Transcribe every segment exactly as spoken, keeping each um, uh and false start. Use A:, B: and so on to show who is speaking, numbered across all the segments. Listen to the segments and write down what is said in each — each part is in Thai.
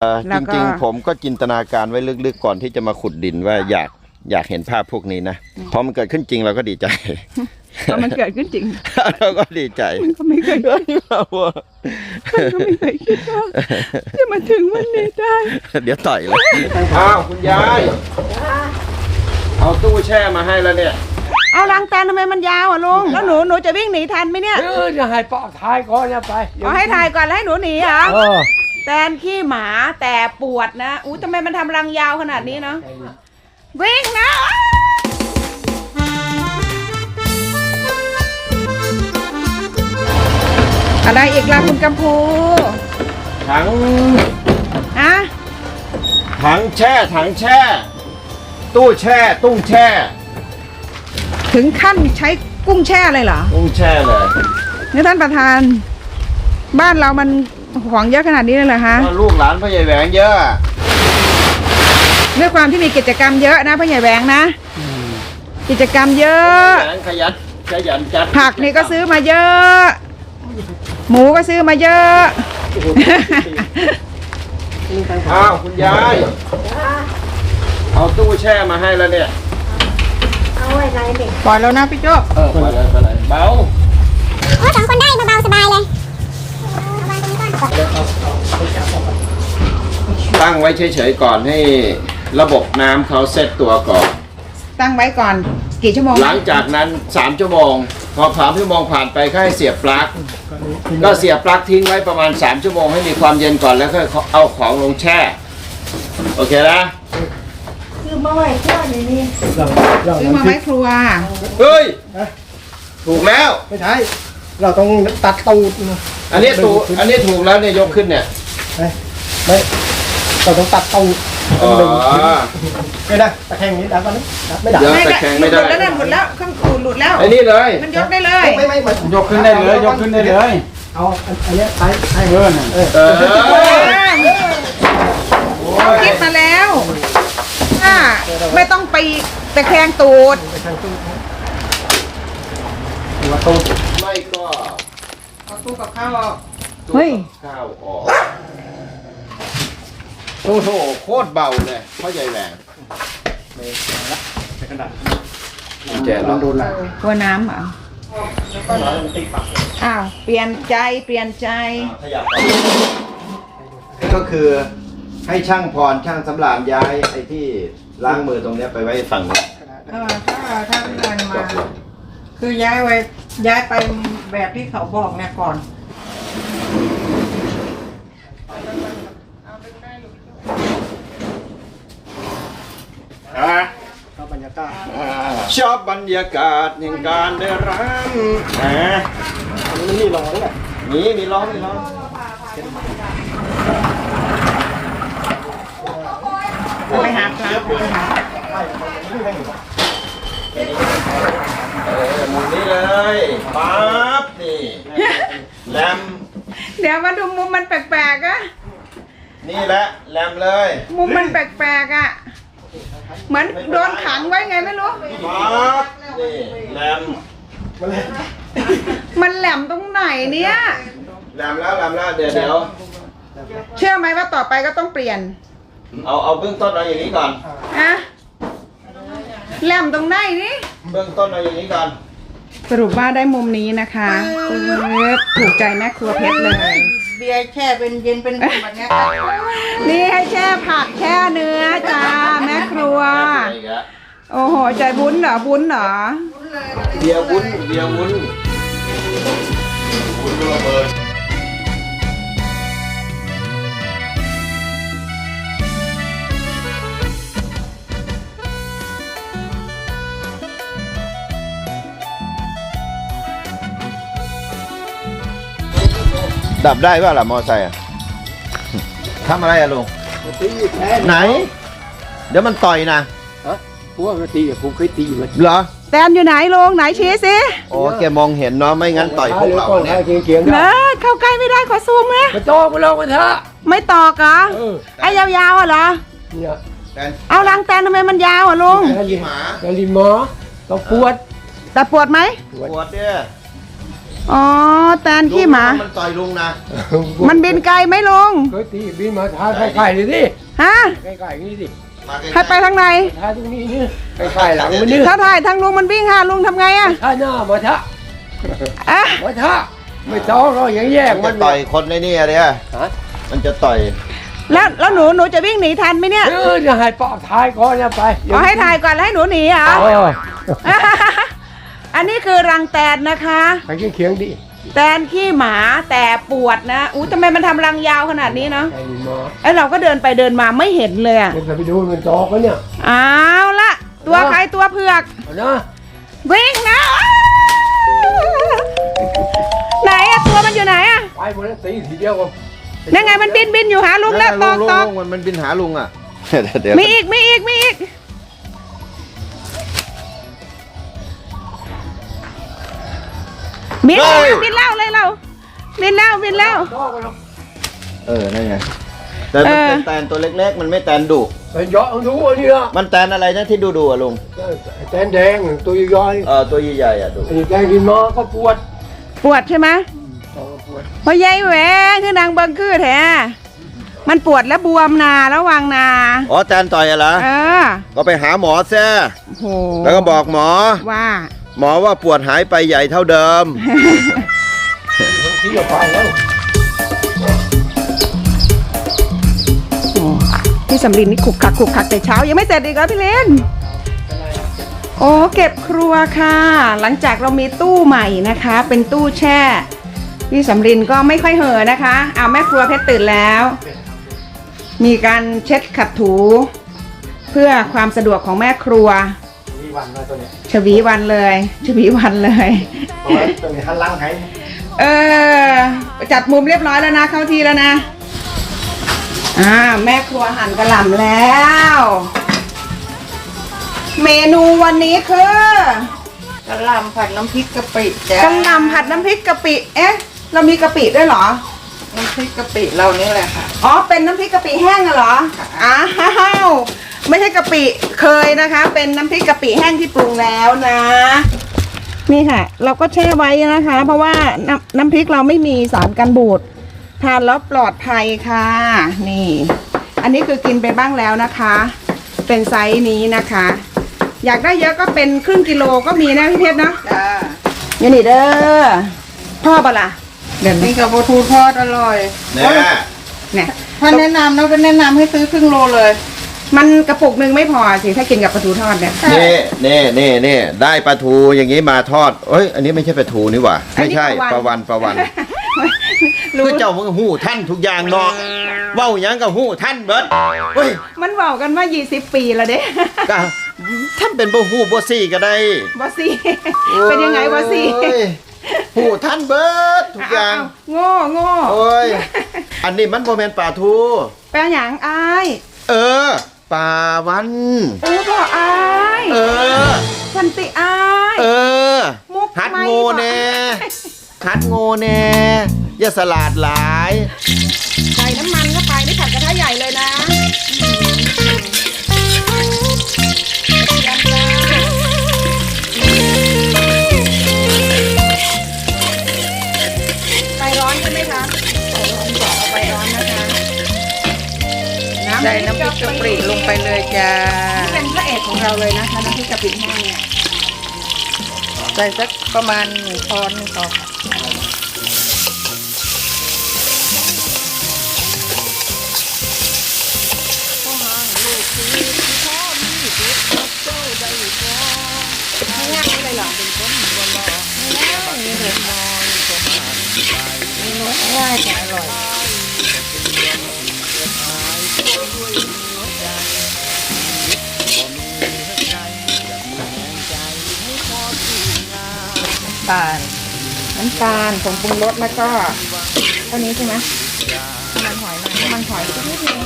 A: จริงๆผมก็จินตนาการไว้ลึกๆก่อนที่จะมาขุดดินว่าอยากอยากเห็นภาพพวกนี้นะพอมันเกิดขึ้นจริงเราก็ดีใจ
B: พอมันเกิดขึ้นจริง
A: เราก็ดีใจ
B: มันก็ไม่เคยคิดว่ามันก็ไม่เคยคิดว่าจะมาถึงวันนี้ได้
A: เดี๋ยวต่อยเลยอ้าวคุณยายเอาตู้แช่มาให้แล้วเนี่ย
B: เอาลังแตนทำไมมันยาวอ่ะลุงแล้วหนูหนูจะวิ่งหนีทันไหมเนี่ย
C: เออจะให้ปอกท้ายก่อนจะไป
B: เอาให้ถ่ายก่อนแล้วให้หนูหนีเหรอแตนขี้หมาแต่ปวดนะอู้ทำไมมันทำรังยาวขนาดนี้เนาะวิ่งนะอะไรอีกล่ะคุณกัมพู
A: ถัง
B: อะ
A: ถังแช่ถังแช่ตู้แช่ตุ้งแช่
B: ถึงขั้นใช้กุ้งแช่เลยเหรอ
A: กุ้งแช่เลย
B: นี่ท่านประธานบ้านเรามันของเยอะขนาดนี้เลยเหรอคะ
A: ลูกหลานพ่อใหญ่แหวงเยอะ
B: ด้วยความที่มีกิจกรรมเยอะนะพ่อใหญ่แหวงนะกิจกรรมเยอะ
A: ขยันขยันจัด
B: ผักนี่ก็ซื้อมาเยอะหมูก็ซื้อมาเยอะ
A: อ้าวคุณยายเอาตู้แช่มาให้แล้วเนี่ย
B: เอาไว้ไรเด็กปล่อยแล้วนะพี่โจ้
A: เออปล่อยเลยปล่อยเลยเบา
D: โอ้สองคนได้เบาๆสบายเลย
A: ตั้งไว้เฉยๆก่อนให้ระบบน้ำเขาเซตตัวก่อน
B: ตั้งไว้ก่อนกี่ชั่วโมง
A: หลังจากนั้นสามชั่วโมงพอสามชั่วโมงผ่านไปก็ให้เสียบปลั๊กก็เสียบปลั๊กทิ้งไว้ประมาณสามชั่วโมงให้มีความเย็นก่อนแล้วก็เอาของลงแช่โอเคนะ
B: ซื้อมาไว้ครัวนี่นี่ซื้อมาไว้ครัว
A: เฮ้ยถูกแล้ว
C: ไม่ใช่เราต้องตัดตูด
A: อันนี้ถูกอันนี้ถูกแล้วเนี่ยยกขึ้นเนี่ย
C: ไม่เราต้องตัดตูด
A: อ๋อ
C: ไม่ได้ตะแคงนี้ได้ปะเนี่ยไม่ได้
A: ตะแคงไม่ได้
B: หลุดแล้วหลุดแล้วเครื่องขูดหลุดแล้ว
A: ไอ้นี่เลย
B: มันยกได้เลย
C: ไม่ไม่
E: ยกขึ้นได้เลยยกขึ้นได้เลย
C: เอาอันนี้ใช้ใช้
E: เออ
C: เออ
A: เออ
B: เขาคิดมาแล้วถ้าไม่ต้องไปตะแคงตูด
C: ตัวตูด
A: ไม่ก็
B: เอาตู้กับข้าวออก
A: เฮ้ยข้าวออกโอ้โหโคตรเบาเลยพ่อใหญ่แหวง
C: ไม่ละเป็นขนาด
A: แจกลองดูละ
B: กลัวน้ำเหรออ้าวเปลี่ยนใจเปลี่ยนใจ
A: ก็คือให้ช่างพรช่างสำราญย้ายไอ้ที่ล้างมือตรงนี้ไปไว้ฝั่งนี้
B: เออถ้าถ้าเดินมาคือย้ายไว้ย้ายไปแบบที่เขาบอกเนี่ยก่อน
C: ชอบบรรยากาศ
A: ชอบบรรยากาศแห่งการได้รักนะ
C: มันมีร้องแหละ
A: มีมีร้องมีร้อง
B: ไปหาพระไปหา
A: เออมุมนี้เลยปั๊บนี่แรม
B: เดี๋ยวมาดูมุมมันแปลกๆอะ
A: นี่แหละแรมเลย
B: มุมมันแปลกๆอะเหมือนโดนขังไว้ไงไม่รู้
A: ปั๊บนี่แรม
B: มันแหลมตรงไหนเนี่ย
A: แรมแล้วแรมแล้วเดี๋ยวเดี๋ยว
B: เชื่อไหมว่าต่อไปก็ต้องเปลี่ยน
A: เอาเอาเบื้องต้นเอาอย่างนี้ก่อน
B: อะแหลมตรงไหนนี่
A: เบื้องต้นเอาอย่างนี้ก่อน
B: สรุปว่าได้มุมนี้นะคะถูกใจแม่ครัวเพชรเลย
D: เบียร์แช่เป็นเย็นเป็นแบบนี้
B: นี่ให้แช่ผักแช่เนื้อจ้าแม่ครัวโอ้โหใจบุญเหรอบุญเหรอ
A: เบียร์วุ้นเบียร์วุ้นวุ้นระเบิดดับได้ป่ะล่ะมอไซค์ทำอะไรอะลุงไหนเดี๋ยวมันต่อยนะ
C: ฮะพวกตีผมเคยตีมัน
A: เหรอ
B: แตนอยู่ไหนลุงไหนชี้สิ
A: โอ้แกมองเห็นเนาะไม่งั้นต่อยพวกเราเนี่ย
B: เนอะเข้าใกล้ไม่ได้ขอซูมนะ
C: ไม่ตอกไม่ลองไปเถอะ
B: ไม่ตอกเหรอไอ้ยาวๆอ่ะเหรอเอาลังแตนทำไมมันยาวอ่ะลุง
C: แตนลิมหมาแตนลิมหมอต้องปวด
B: แต่ปวดไหม
A: ปวดเนี่ย
B: อ๋อแตนขี้หมา
A: มันต่อยลุงนะ
B: มันบินไกลไหมลุง
C: เคยตีบินมาท้าใกล้ๆเลยดิ
B: ฮะ
C: ใกล้ๆนี่ดิ
A: มาใกล้ๆ
B: ให้ไปทางไหน
C: ท้าตรงนี้นี่ใกล้ๆหลังมันนี่
B: ถ้าถ่ายทางลุงมันวิ่งหาลุงทำไงอะ
C: ท้าหน้ามาท้า
B: อ่ะ
C: มาท้าไม่ต้องเราอย่างแยก
A: มั
C: มัน น
A: จะต่อยคนในนี่อะเนี่ย
C: ฮะ
A: มันจะต่อย
B: แล้วแล้วหนูหนูจะวิ่งหนีทันไหมเนี่ย
C: เออจะให้ปอกท้ายก่อนนะไป
B: เอาให้ถ่ายก่อนแล้วให้หนูหนีเหรอ
C: เออ
B: อันนี้คือรังแตนนะคะ
C: ไปเคียงๆดิ
B: แตนขี้หมาแต่ปวดนะอู้ทำไมมันทำรังยาวขนาดนี้เนาะ
C: ไอ้นี่มา
B: ไอเราก็เดินไปเดินมาไม่เห็นเลยอะ
C: เดี๋ยวจะไปดูมันจอกกันเนี่ย
B: เอาละตัวใครตัวเผือก
C: เอานะ
B: วิ่งนะไหนอะตัวมันอยู่ไหนอะ
C: ไปหมดแล้วตีทีเดียวก็
B: นั่นไงมันบินบินอยู่หาลุงแล้วตอกตอก
A: มันมันบินหาลุงอ่ะ เดี๋ยว
B: มีอีกมีอีกมีอีกบินแล้วบินแล้วเลยเราบินแล้วบินแล้ว
C: จอกกันแล้ว
A: เออนั่นไงแต่มันเป็นแตนตัวเล็กๆ มันไม่แตนดุ
C: ไปเยาะดูอันนี้ละ
A: มันแตนอะไรนะที่ดูดูอะลุง
C: แตนแดงตัวย่อย
A: เออตัวใหญ่ๆอ่ะดู
C: ไอ้แดงกินมาก็ปวด
B: ปวดใช่ไหม
C: ก็ปวด
B: พอยายแหวงคือนางเบิงคือแท้มันปวดแล้วบวมนาแล้ววางนา
A: อ๋อแตนต่อยอะเหรอ
B: เออ
A: ก็ไปหาหมอแซ่
B: โอ้โห
A: แล้วก็บอกหมอ
B: ว่า
A: หมอว่าปวดหายไปใหญ่เท่าเดิม
C: ที่จะไปแล้ว
B: โอ้พี่สำลินนี่ขุกขักขุกขักแต่เช้ายังไม่เสร็จอีกเหรอพี่เลนโอ้เก็บครัวค่ะ หลังจากเรามีตู้ใหม่นะคะ เป็นตู้แช่ พี่สำลินก็ไม่ค่อยเห่อะนะคะอ้าวแม่ครัวเพชรตื่นแล้ว มีการเช็ดขัดถู เพื่อความสะดวกของแม่ครัว
C: มีวันมาตัวเนี้ย
B: ชวีวันเลยชวีวันเลย
C: ตัวนี้หันหลังให้
B: เออจัดมุมเรียบร้อยแล้วนะเข้าทีแล้วนะอ่าแม่ครัวหั่นกระหล่ำแล้ว เมนูวันนี้คือก
D: ระหล่ำผัดน้ำพริกกะปิจ้ะ
B: กระหล่ำผัดน้ำพริกกะปิเอ๊ะเรามีกะปิด้วยเหรอ
D: น้ำพริกกะปิเรานี่แหละค่ะ
B: อ๋อเป็นน้ำพริกกะปิแห้งอะเหรออ้าวไม่ใช่กะปิเคยนะคะ เป็นน้ำพริกกะปิแห้งที่ปรุงแล้วนะ นี่ค่ะ เราก็แช่ไว้นะคะ เพราะว่าน้ำน้ำพริกเราไม่มีสารกันบูดทานแล้วปลอดภัยค่ะ นี่ อันนี้คือกินไปบ้างแล้วนะคะ เป็นไซส์นี้นะคะ อยากได้เยอะก็เป็นครึ่งกิโลก็มีนะพี่เพชรเนาะ
D: จ้า
B: นี่นี่เด้อพ่อปะล่ะเดี๋ยว
D: นี่
B: นี้
D: กับปลาทูทอดอร่อย
A: แน่
B: เนี่ย
D: ถ้าแนะนำนะก็แนะนำให้ซื้อครึ่งโลเลย
B: มันกระปุกหนึ่งไม่พอสิถ้ากินกับปลาทูทอดเนี่ย
A: นี่นี่นี่นี่ได้ปลาทูอย่างนี้มาทอดเอ้ย อันนี้ไม่ใช่ปลาทูนี่หว่า ไม่ใช่ปลาวันปลาวัน
B: รู้
A: คือเจ้ามึงหู้ท่านทุกอย่างเนาะเว้าหยังกับหู้ท่านเบิดเฮ้ย
B: มันบอกกันว่ายี่สิบปีแล้วเด้
A: ก็ท่านเป็นบ่หู้บ่ซี่ก็ได้
B: บอสซี่ เป็นยังไงบอสซี่
A: โอ้ยหู้ท่านเบิดทุกอย่าง
B: โง่โง่
A: โอ้ยอันนี้มันบ่แม่นปลาทู
B: แปลหยังอาย
A: เออปลาวัน
B: โอ้บ่อาย
A: เออ
B: สันติอาย
A: เออ
B: มุก
A: หัด
B: ไม่
A: โง่
B: บ่
A: แน่หัดโง่แน่อย่าสลาดหลาย
B: ใส่น้ำมันเข้าไปนี่ผัดกระทะใหญ่เลยนะยำจ้าไฟร้อนใช่ไหมคะไฟร้อนก่อนเอาไฟร้อนนะคะ
D: ใส่น้ำพริกกะปิลงไปเลยจ้า
B: นี่เป็นพระเอกของเราเลยนะคะน้ำพริกกะปิแห้งเนี่ย
D: ใส่สักประมาณหนึ่งช้อนหนึงพอค่ะ
B: ง่ายๆเลยเหรอ
D: ง่ายแต่อร่อยตาล
B: น้ำตาลผงปรุงรสแล้วก็เท่านี้ใช่ไหมน้ำมันหอยมาน้ำมันหอยสักนิดนึง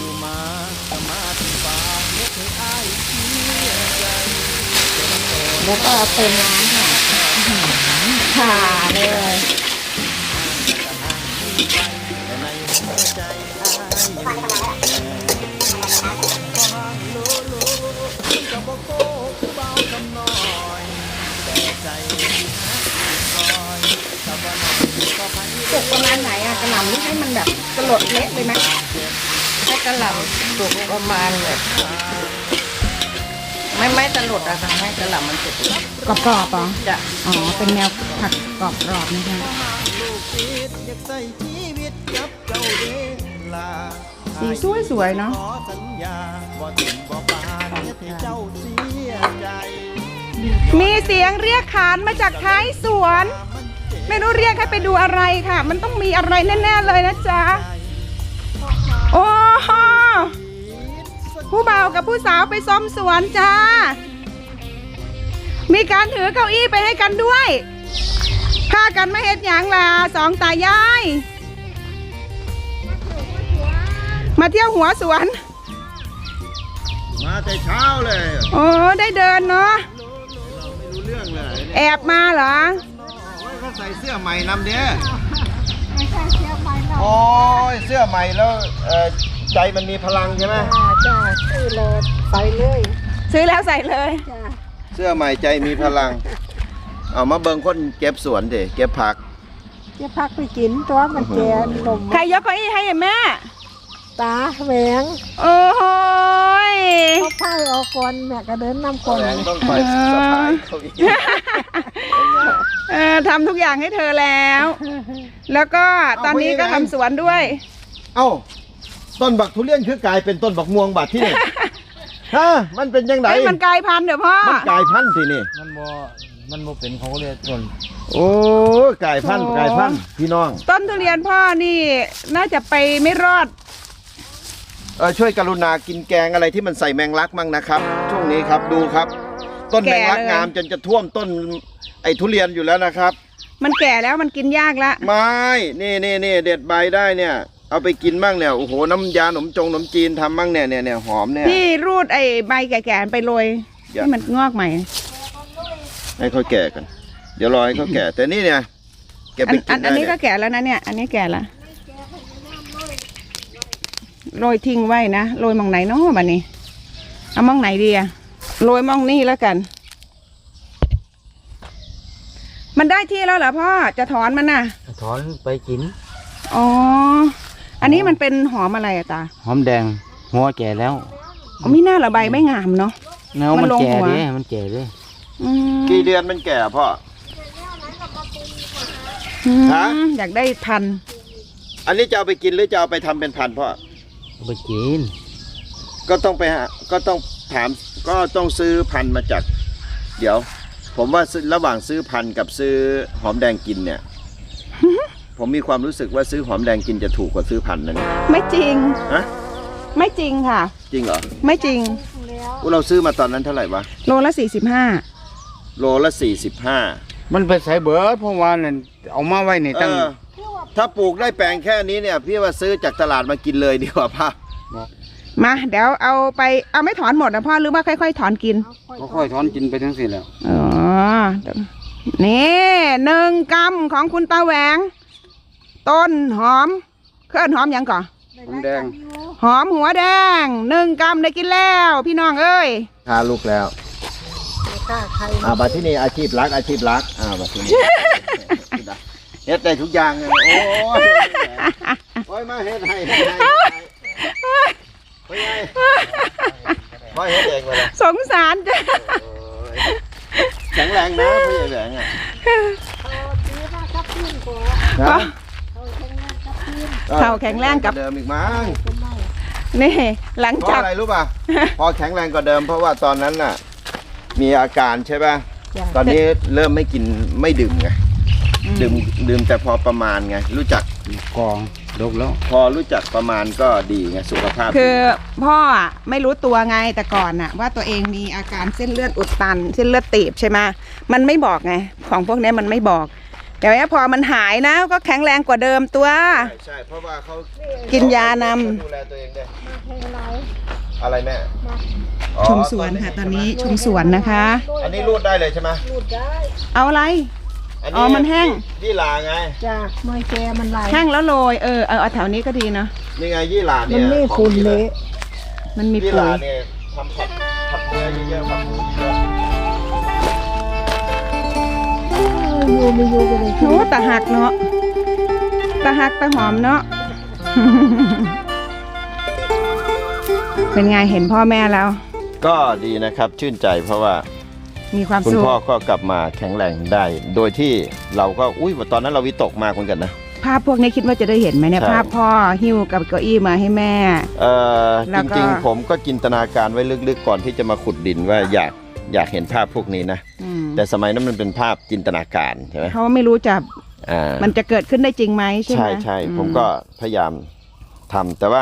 B: แล้วก็เติมน้ำค่ะค่ะเลยมันแบบสลดเละเลยไหม
D: ให้กระหล่ำสุกประมาณแบบไม่ไม่สลดอะค่ะให้กระหล่ำมันสุก
B: กรอบๆเหรอ
D: จะ
B: อ๋อเป็นแนวผัดกรอบๆนะคะ สีสวยสวยๆเนาะมีเสียงเรียกขานมาจากท้ายสวน ไม่รู้เรียกให้ไปดูอะไรค่ะ มันต้องมีอะไรแน่ๆเลยนะจ๊ะ โอ้โหผู้บ่าวกับผู้สาวไปซ้อมสวนจ้า มีการถือเก้าอี้ไปให้กันด้วยพากันไม่เห็นอย่างล่ะสองตายาย มาเที่ยวหัวสวน
A: มาแต่เช้าเลย
B: โอ้ได้เดินเนาะ
A: ไม่รู้เรื่องเลย
B: แอบมาเหรอ
A: โอ้ยเขาใส่เสื้อใหม่นำเด้อไม่ใช่เสื้อใหม่โอ้ยเสื้อใหม่แล้วเอ่อใจมันมีพลังใช่ไหม
D: จ้าซื้อเลยใส่เลย
B: ซื้อแล้วใส่เลย
D: จ้า
A: เสื้อใหม่ใจมีพลัง เอามาเบิ่งคนเก็บสวนเด้เก็บผัก
D: จะพักไปกินตัวมันแก่นม
B: ใครยกเก้าอี้ให้อะแม่
D: ตาแหวง
B: โอ้โหย
D: เขาพายออกก่อนแม่ก็เดินนำก่อน
A: แรงต้องคอยสะพายเขาอีก
B: เออทำทุกอย่างให้เธอแล้ว แล้วก็ตอนนี้ก็ทำสวนด้วย
A: เอ้าต้นบักทุเรียนคือกลายเป็นต้นบักม่วงบาดที่นี่ ฮะมันเป็นยังไง
B: เอ้ยมันกลายพันธุ์เดี๋ยวพ่อ
A: มันกลายพันธุ์ทีนี่
E: มันบ่มันบ่เป็นของเรียนส่วน
A: โอ้กลายพันธุ์กลายพันธุ์พี่น้อง
B: ต้นทุเรียนพ่อนี่น่าจะไปไม่รอด
A: เออช่วยกรุณากินแกงอะไรที่มันใส่แมงลักมั่งนะครับ ช่วงนี้ครับดูครับ ต้นแมงลักงามจนจะท่วมต้นไอ้ทุเรียนอยู่แล้วนะครับ
B: มันแก่แล้วมันกินยากละ
A: ไม่นี่นี่นี่เด็ดใบได้เนี่ย เอาไปกินมั่งเนี่ยโอ้โหน้ำยาหนมจงหนมจีนทำมั่งเนี่ยเนี่ยเนี่ยหอมเนี่ย
B: พี่รูดไอ้ใบแก่ๆไปโรย
A: อย่า
B: ให้มันงอกใหม่
A: ให้เขาแก่กัน เดี๋ยวรอให้เขาแก่ แต่นี่เนี่ยแก
B: อั
A: ไป
B: น
A: กิ
B: อั
A: น
B: น
A: ได้
B: อันนี้
A: เนี่
B: ก็
A: ย
B: แก่แล้วนะเนี่ย อันนี้แก่ละโรยทิ้งไว้นะโรยมองไหนเนาะบัดนี้เอามองไหนดีอะโรยมองนี่แล้วกัน มันได้ที่แล้วเหรอพ่อจะถอนมันน่ะ
E: ถอนไปกิน
B: อ๋ออันนี้มันเป็นหอมอะไรอะตา
E: หอมแดงหัวแก่แล้ว
B: อ๋อไม่น่าระใบไม่งามเนาะ
E: เนื้อ
B: มั
E: มัน น
B: ลง
E: แก่
B: หัว
E: เด้มันแก่เด้
B: อืม
A: กี่เดือนมันแก่พ่อ
B: อืม
A: ฮะ
B: อยากได้พันธุ์
A: อันนี้จะเอาไปกินหรือจะเอาไปทำเป็นพันธุ์พ่อ
E: เอาไปกิน
A: ก็ต้องไปหาก็ต้องถามก็ต้องซื้อพันธุ์มาจาก เดี๋ยว ผมว่าซื้อระหว่างซื้อพันธุ์กับซื้อหอมแดงกินเนี่ย ผมมีความรู้สึกว่าซื้อหอมแดงกินจะถูกกว่าซื้อพันธุ์นะเนี่ย
B: ไม่จริง
A: ฮะ
B: ไม่จริงค่ะ
A: จริงเหรอ
B: ไม่จริง
A: อุ๊ยเราซื้อมาตอนนั้นเท่าไหร่วะ
B: โลละสี่สิบห้า
A: โลละสี่สิบห้า
E: มันไปใส่เบิดเพราะว่านั่นเอามาไว้นี่
A: เอ
E: ตั้ง
A: อถ้าปลูกได้แปลงแค่นี้เนี่ย พี่ว่าซื้อจากตลาดมากินเลยดีกว่าพ่อ
B: มาเดี๋ยวเอาไปเอาไม่ถอนหมดนะพ่อหรือว่าค่อยๆถอนกิน
E: ก็ค่อยถอนกินไปทั้งสิ้นแล้ว
B: อ๋อนี่หนึ่งกำของคุณตาแหวง ต้นหอมเคลื่อนหอมยังก่อน
E: หอมแดง
B: หอมหัวแดงหนึ่งกำได้กินแล้ว พี่น้องเอ้ย
A: ทาลูกแล้ว
D: กล้าใคร
A: อ่าบัดที่นี่อาชีพรักอาชีพรักอ่าบัดที่นี่ เฮ็ดได้ทุกอย่างเลยโอ้ยโอ้ยมาเฮ็ดให้เฮ็ดให้โอ้ยไงมาเฮ็ดเองมาเลย
B: สงสารจ้ะ
A: แข็งแรงนะพี่แหวงอ่ะนะ
B: เข่าแข็งแรงกับ
A: เดิมอีกมั้ง
B: นี่หลัง
A: เพราะ
B: จาก
A: อะไรรู้ป่ะ พอแข็งแรงกว่าเดิมเพราะว่าตอนนั้นน่ะ มีอาการใช่ป่ะ ตอนนี้เริ่มไม่กินไม่ดื่มไง ดื่มดื่มแต่พอประมาณไง รู้จัก
E: กองดกแล้ว
A: พอรู้จักประมาณก็ดีไงสุขภาพดี
B: คือพ่ออะไม่รู้ตัวไงแต่ก่อนน่ะ ว่าตัวเองมีอาการเส้นเลือดอุดตัน เส้นเลือดตีบใช่ไหมมันไม่บอกไงของพวกนี้มันไม่บอกแต่ว่าพอมันหายนะก็แข็งแรงกว่าเดิมตัว
A: ใช่ใช่เพราะว่าเขา
B: กินยานำ
A: ดูแลตัวเองได้อะไรแม่อ๋อ
B: ชมสวนค่ะตอนนี้ชมสวนนะคะ
A: อันนี้รูดได้เลยใช่ไหม
B: เอาอะไร
A: อัน
B: อ๋อมันแห้ง
A: ยี่หร่าไง
D: จ้าเมื่อแกมันไหล
B: แห้งแล้วโรยเออเอาเอาแถวนี้ก็ดีเนาะ
A: นี่ไงยี่หร่าเนี่ย
D: มันไม่
A: ของ
D: ฝุ่น
A: ดี
D: เละ
B: มันมี
A: ยี่ห
B: ปุ๋
A: ร่าย เนี่ยทำผัดผัดเนื้อเยอะๆผัดหมูเยอะ
D: อยู่ไม่อยู่กันเลย
B: โอ้ตะหักเนาะตะหักตะหอมเนาะ
A: ๆ
B: เป็นไงเห็นพ่อแม่แล้ว
A: ก็ดีนะครับชื่นใจเพราะว่า
B: มีความ
A: คุณ
B: สุข
A: พ่อก็กลับมาแข็งแรงได้ โดยที่เราก็อุ้ยตอนนั้นเราวิตกมากเหมือนกันนะ
B: ภาพพวกนี้คิดว่าจะได้เห็นไหมเนี่ย
A: ใช่
B: ภาพพ่อหิ้วกับเก้าอี้มาให้แม่
A: เอ่อ
B: แล้
A: จ
B: วก็
A: ริงๆ ผมก็จินตนาการไว้ลึกๆก่อนที่จะมาขุดดินว่าอยากอยากเห็นภาพพวกนี้นะ
B: อืม
A: แต่สมัยนั้นมันเป็นภาพจินตนาการใช่ไหม
B: เขาไม่รู้จะ
A: อ่า
B: มันจะเกิดขึ้นได้จริงไหมใช่ไหม
A: ใช่ใช่
B: อื
A: ผมก็พยายามทำแต่ว่า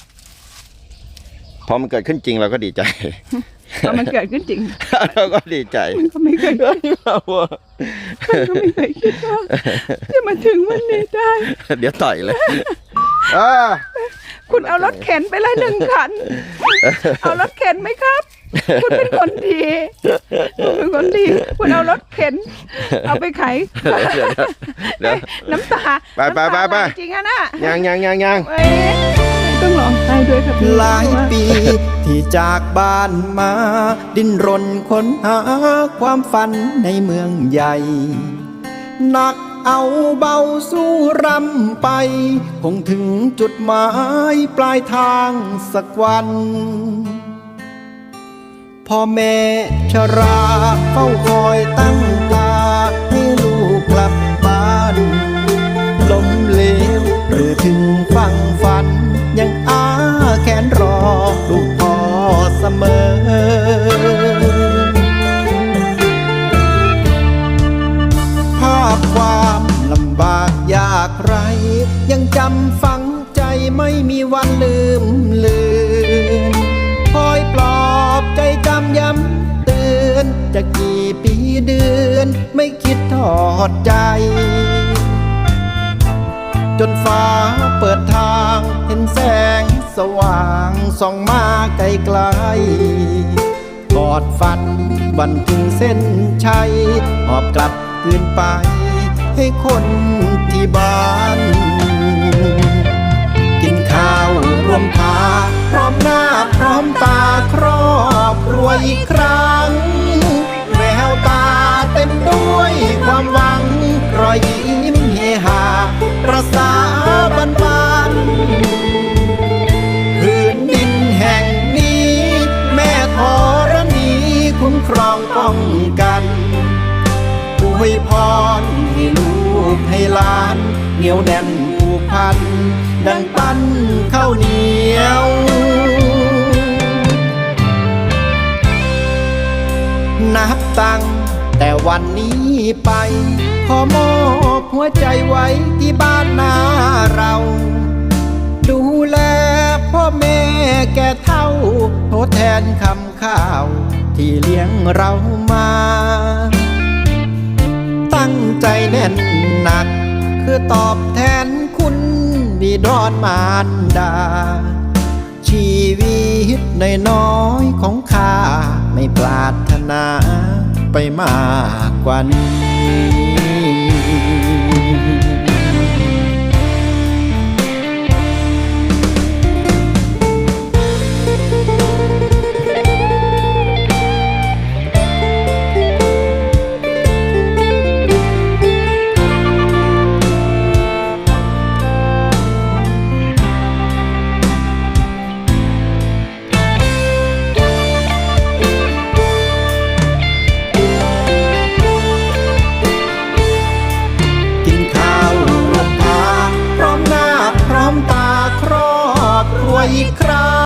A: พอมันเกิดขึ้นจริงเราก็ดีใจ
B: เพราะมันเกิดขึ้นจริง
A: เราก็ดีใจ
B: มันก็ไม่เคยคิด
A: เราว่า
B: มันก็ไม่เคยคิดว่าจะมาถึงวันนี้ได้
A: เดี๋ยวต่อยเลยเออ
B: คุณเอารถเข็นไปเลยหนึ่งคัน เอารถเข็นไหมครับ คุณเป็นคนดีคุณเป็นคนดี คุณเอารถเข็น เอาไปไข
A: เดี๋ยวเดี๋ยว
B: น้ำตา
A: ไปไปไปไป
B: น้ำตาหลจริงอะน่ะ
A: ยังยังยังยัง
B: เอ้ยต้องร้องไห้ด้วยครับพี่
F: หลายปีที่จากบ้านมา ดิ้นรนค้นหาความฝันในเมืองใหญ่หนักเอาเบาสู้รำไป คงถึงจุดหมายปลายทางสักวัน พ่อแม่ชราเฝ้าคอยตั้งตาให้ลูกกลับบ้านล้มเหลวหรือถึงฟังฝัน ยังอาแขนรอลูกพ่อเสมอ ภาพความลำบากยากไร ยังจำฝังใจไม่มีวันลืมเลือนคอยปลอบใจจำย้ำเตือนจะกี่ปีเดือนไม่คิดทอดใจ จนฟ้าเปิดทางเห็นแสงสว่างส่องมาไกลไกลกอดฝันวันถึงเส้นชัยหอบกลับคืนไปให้คนที่บ้าน กินข้าวรวมพาพร้อมหน้าพร้อมตาครอบครัวอีกครั้งแววตาเต็มด้วยความหวังรอยยิ้มเฮฮาประสาบันบานพื้นดินแห่งนี้แม่ธรณีคุ้มครองป้องกันอวยพรให้ลูกให้หลานเหนียวแน่นผูกพันดังปั้นข้าวเหนียวนับตั้งแต่วันนี้ไปขอมอบหัวใจไว้ที่บ้านนาเรา ดูแลพ่อแม่แก่เฒ่าทดแทนคำข้าวที่เลี้ยงเรามา ตั้งใจแน่นหนักคือตอบแทนคุณบิดรมารดา ชีวิตในน้อยๆของข้าไม่ปรารถนาไปมากกว่านี้